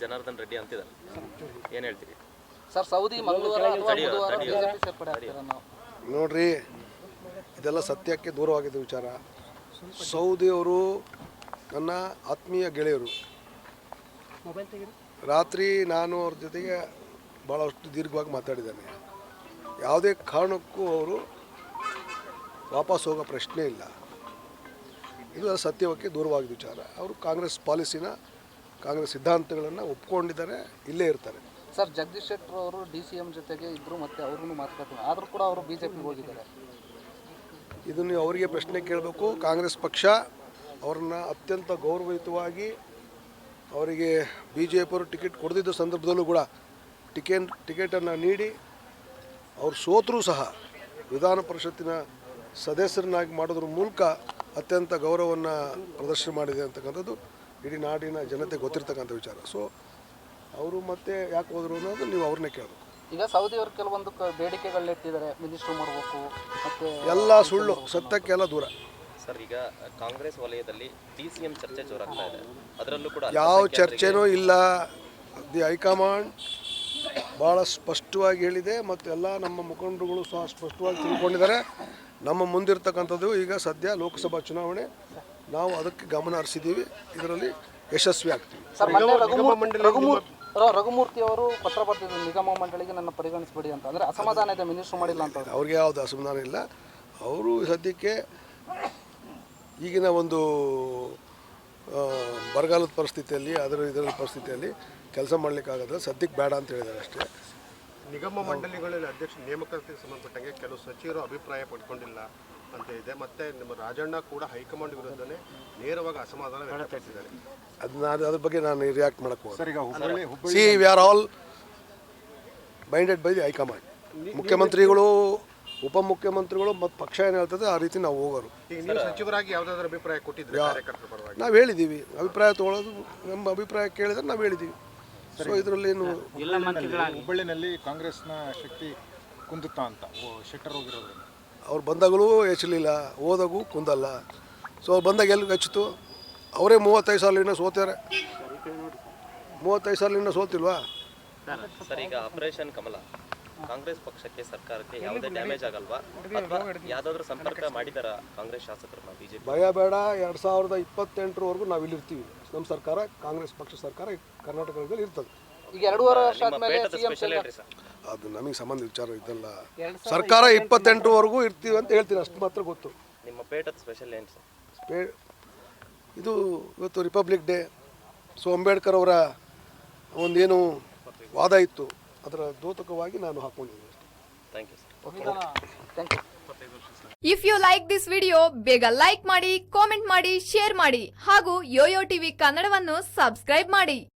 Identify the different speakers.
Speaker 1: ಜನಾರ್ದನ್ ರೆಡ್ಡಿ ಅಂತಿದ್ದಾರೆ, ಏನು ಹೇಳ್ತೀರಿ
Speaker 2: ಸರ್? ಸೌದಿ ಮಂಗಳವಾರ ಅಥವಾ ಬುಧವಾರ ಬಿಜೆಪಿ ಸೇರ್ಪಡೆ ಆಗ್ತೀರಾ ನಾವು?
Speaker 3: ನೋಡ್ರಿ, ಇದೆಲ್ಲ ಸತ್ಯಕ್ಕೆ ದೂರವಾಗಿದ್ದ ವಿಚಾರ. ಸೌದಿಯವರು ನನ್ನ ಆತ್ಮೀಯ ಗೆಳೆಯರು. ರಾತ್ರಿ ನಾನು ಅವ್ರ ಜೊತೆಗೆ ಭಾಳಷ್ಟು ದೀರ್ಘವಾಗಿ ಮಾತಾಡಿದ್ದೇನೆ. ಯಾವುದೇ ಕಾರಣಕ್ಕೂ ಅವರು ವಾಪಸ್ ಹೋಗೋ ಪ್ರಶ್ನೆ ಇಲ್ಲ. ಇದು ಸತ್ಯಕ್ಕೆ ದೂರವಾಗಿದ್ದ ವಿಚಾರ. ಅವರು ಕಾಂಗ್ರೆಸ್ ಪಾಲಿಸಿನ, ಕಾಂಗ್ರೆಸ್ ಸಿದ್ಧಾಂತಗಳನ್ನು ಒಪ್ಕೊಂಡಿದ್ದಾರೆ, ಇಲ್ಲೇ ಇರ್ತಾರೆ.
Speaker 2: ಸರ್, ಜಗದೀಶ್ ಶೆಟ್ಟರ್ ಅವರು DCM ಜೊತೆಗೆ ಇದ್ದರು, ಮತ್ತು ಅವ್ರಿಗೂ ಮಾತುಕತೆ ಆದರೂ ಕೂಡ ಅವರು ಬಿಜೆಪಿಗೆ ಹೋಗಿದ್ದಾರೆ.
Speaker 3: ಇದನ್ನು ಅವರಿಗೆ ಪ್ರಶ್ನೆ ಕೇಳಬೇಕು. ಕಾಂಗ್ರೆಸ್ ಪಕ್ಷ ಅವ್ರನ್ನ ಅತ್ಯಂತ ಗೌರವಯುತವಾಗಿ ಅವರಿಗೆ BJP ಟಿಕೆಟ್ ಕೊಡದಿದ್ದ ಸಂದರ್ಭದಲ್ಲೂ ಕೂಡ ಟಿಕೆಟನ್ನು ನೀಡಿ ಅವ್ರು ಸೋತರೂ ಸಹ ವಿಧಾನ ಪರಿಷತ್ತಿನ ಸದಸ್ಯರನ್ನಾಗಿ ಮಾಡೋದ್ರ ಮೂಲಕ ಅತ್ಯಂತ ಗೌರವವನ್ನು ಪ್ರದರ್ಶನ ಮಾಡಿದೆ ಅಂತಕ್ಕಂಥದ್ದು ಇಡೀ ನಾಡಿನ ಜನತೆ ಗೊತ್ತಿರ್ತಕ್ಕಂಥ ವಿಚಾರ. ಸೊ ಅವರು ಮತ್ತೆ ಯಾಕೆ ಹೋದರು ಅನ್ನೋದು ನೀವು ಅವ್ರನ್ನೇ ಕೇಳಬೇಕು.
Speaker 2: ಈಗ ಸೌದಿಯವರು ಕೆಲವೊಂದು ಬೇಡಿಕೆಗಳನ್ನಿಟ್ಟಿದ್ದಾರೆ, ಮಿನಿಸ್ಟ್ರು ಮಾಡಬೇಕು, ಮತ್ತು
Speaker 3: ಎಲ್ಲ ಸುಳ್ಳು, ಸತ್ಯಕ್ಕೆಲ್ಲ ದೂರ.
Speaker 1: ಸರ್, ಈಗ ಕಾಂಗ್ರೆಸ್ ವಲಯದಲ್ಲಿ DCM ಚರ್ಚೆ ಜೋರಾಗ್ತಾ ಇದೆ, ಅದರಲ್ಲೂ ಕೂಡ
Speaker 3: ಯಾವ ಚರ್ಚೆನೂ ಇಲ್ಲ. ದಿ ಹೈಕಮಾಂಡ್ ಭಾಳ ಸ್ಪಷ್ಟವಾಗಿ ಹೇಳಿದೆ, ಮತ್ತು ಎಲ್ಲ ನಮ್ಮ ಮುಖಂಡರುಗಳು ಸಹ ಸ್ಪಷ್ಟವಾಗಿ ತಿಳ್ಕೊಂಡಿದ್ದಾರೆ. ನಮ್ಮ ಮುಂದಿರ್ತಕ್ಕಂಥದ್ದು ಈಗ ಸದ್ಯ ಲೋಕಸಭಾ ಚುನಾವಣೆ, ನಾವು ಅದಕ್ಕೆ ಗಮನ ಹರಿಸಿದ್ದೀವಿ, ಇದರಲ್ಲಿ ಯಶಸ್ವಿ ಆಗ್ತೀವಿ.
Speaker 2: ರಘುಮೂರ್ತಿ ಅವರು ಪತ್ರ ಬರ್ತಿದ್ರು, ನಿಗಮ ಮಂಡಳಿಗೆ ನನ್ನ ಪರಿಗಣಿಸಬೇಡಿ ಅಂತ. ಅಂದರೆ ಅಸಮಾಧಾನ ಇದೆ, ಮಿನಿಸ್ಟ್ರು ಮಾಡಿಲ್ಲ ಅಂತ.
Speaker 3: ಅವ್ರಿಗೆ ಯಾವುದು ಅಸಮಾಧಾನ ಇಲ್ಲ. ಅವರು ಸದ್ಯಕ್ಕೆ ಈಗಿನ ಒಂದು ಬರಗಾಲದ ಪರಿಸ್ಥಿತಿಯಲ್ಲಿ, ಇದರ ಪರಿಸ್ಥಿತಿಯಲ್ಲಿ ಕೆಲಸ ಮಾಡಲಿಕ್ಕಾಗಲ್ಲ, ಸದ್ಯಕ್ಕೆ ಬೇಡ ಅಂತ ಹೇಳಿದ್ದಾರೆ ಅಷ್ಟೇ.
Speaker 4: ನಿಗಮ ಮಂಡಳಿಗಳಲ್ಲಿ ಅಧ್ಯಕ್ಷ ನೇಮಕಾತಿಗೆ ಸಂಬಂಧಪಟ್ಟಂಗೆ ಕೆಲವು ಸಚಿವರು ಅಭಿಪ್ರಾಯ ಪಡ್ಕೊಂಡಿಲ್ಲ ಅಂತ ಇದೆ. ಮತ್ತು ನಮ್ಮ ರಾಜಣ್ಣ ಕೂಡ ಹೈಕಮಾಂಡ್ ವಿರುದ್ಧನೇ ನೇರವಾಗಿ ಅಸಮಾಧಾನ ವ್ಯಕ್ತಪಡಿಸಿದ್ದಾರೆ.
Speaker 3: ಅದ್ರ ಬಗ್ಗೆ ನಾನು ರಿಯಾಕ್ಟ್ ಮಾಡಕ್ಕೆ ಹೋಗೋದು. C, V R all binded by the high command. ಮುಖ್ಯಮಂತ್ರಿಗಳು, ಉಪಮುಖ್ಯಮಂತ್ರಿಗಳು ಮತ್ತು ಪಕ್ಷ ಏನು ಹೇಳ್ತದೆ ಆ ರೀತಿ ನಾವು ಹೋಗೋರು.
Speaker 4: ಈಗ ನೀವು ಸಚಿವರಾಗಿ ಯಾವುದಾದ್ರೂ ಅಭಿಪ್ರಾಯ ಕೊಟ್ಟಿದ್ರೆ ಕಾರ್ಯಕರ್ತರ ಪರವಾಗಿ?
Speaker 3: ನಾವು ಹೇಳಿದ್ದೀವಿ, ಅಭಿಪ್ರಾಯ ತೊಗೊಳ್ಳೋದು, ನಮ್ಮ ಅಭಿಪ್ರಾಯ ಕೇಳಿದ್ರೆ ನಾವು ಹೇಳಿದ್ದೀವಿ. ಸೊ ಇದರಲ್ಲೇನು
Speaker 5: ಹುಬ್ಬಳ್ಳಿನಲ್ಲಿ ಕಾಂಗ್ರೆಸ್ನ ಶಕ್ತಿ ಕುಂದುತ್ತಾ ಅಂತ ಶೆಟ್ಟರ್ ಹೋಗಿರೋದ್ರಿಂದ
Speaker 3: ಅವ್ರು ಬಂದಾಗಲೂ ಹೆಚ್ಚಲಿಲ್ಲ, ಹೋದಾಗೂ ಕುಂದಲ್ಲ. ಸೊ ಅವ್ರು ಬಂದಾಗ ಎಲ್ಲಿ ಹೆಚ್ಚಿತು? ಅವರೇ 35 ಸಾಲಿನ ಸೋತ್ಯಾರೆ. 35 ಸಾಲಿನ ಸೋತಿಲ್ವಾ?
Speaker 1: ಸರ್, ಈಗ ಆಪರೇಷನ್ ಕಮಲ ಕಾಂಗ್ರೆಸ್ ಪಕ್ಷಕ್ಕೆ, ಸರ್ಕಾರಕ್ಕೆ ಯಾವುದೇ ಡ್ಯಾಮೇಜ್ ಆಗಲ್ವಾ? ಅಥವಾ ಯಾವುದಾದ್ರೂ ಸಂಪರ್ಕ ಮಾಡಿದಾರ ಕಾಂಗ್ರೆಸ್ ಶಾಸಕರನ್ನ BJP?
Speaker 3: ಭಯ ಬೇಡ. 2028ರವರೆಗೂ ನಾವು ಇಲ್ಲಿರ್ತೀವಿ. ನಮ್ಮ ಸರ್ಕಾರ, ಕಾಂಗ್ರೆಸ್ ಪಕ್ಷ ಸರ್ಕಾರ ಕರ್ನಾಟಕದಲ್ಲಿ ಇರ್ತದೆ.
Speaker 2: ಈಗ 2.5 ವರ್ಷ ಆದಮೇಲೆ
Speaker 3: ಅದು ನಮಗೆ ಸಂಬಂಧ ವಿಚಾರ ಇದೆಲ್ಲ. ಸರ್ಕಾರ 28ರವರೆಗೂ ಇರ್ತೀವಿ ಅಂತ ಹೇಳ್ತೀನಿ, ಅಷ್ಟು ಮಾತ್ರ ಗೊತ್ತು.
Speaker 1: ನಿಮ್ಮ ಪೇಟದ ಸ್ಪೆಷಲ್ ಏನು ಸರ್?
Speaker 3: ಇದು ಇವತ್ತು ರಿಪಬ್ಲಿಕ್ ಡೇ. ಸೊ ಅಂಬೇಡ್ಕರ್ ಅವರ ಒಂದೇನು ವಾದ ಇತ್ತು, ಅದರ ದ್ಯೋತಕವಾಗಿ ನಾನು ಹಾಕೊಂಡಿದ್ದೀನಿ ಅಷ್ಟೇ.
Speaker 1: Thank you sir.
Speaker 2: Thank you.
Speaker 6: If you like this video, ಬೇಗ ಲೈಕ್ ಮಾಡಿ, ಕಾಮೆಂಟ್ ಮಾಡಿ, ಶೇರ್ ಮಾಡಿ ಹಾಗೂ ಯೋಯೋ ಟಿವಿ ಕನ್ನಡವನ್ನು ಸಬ್ಸ್ಕ್ರೈಬ್ ಮಾಡಿ.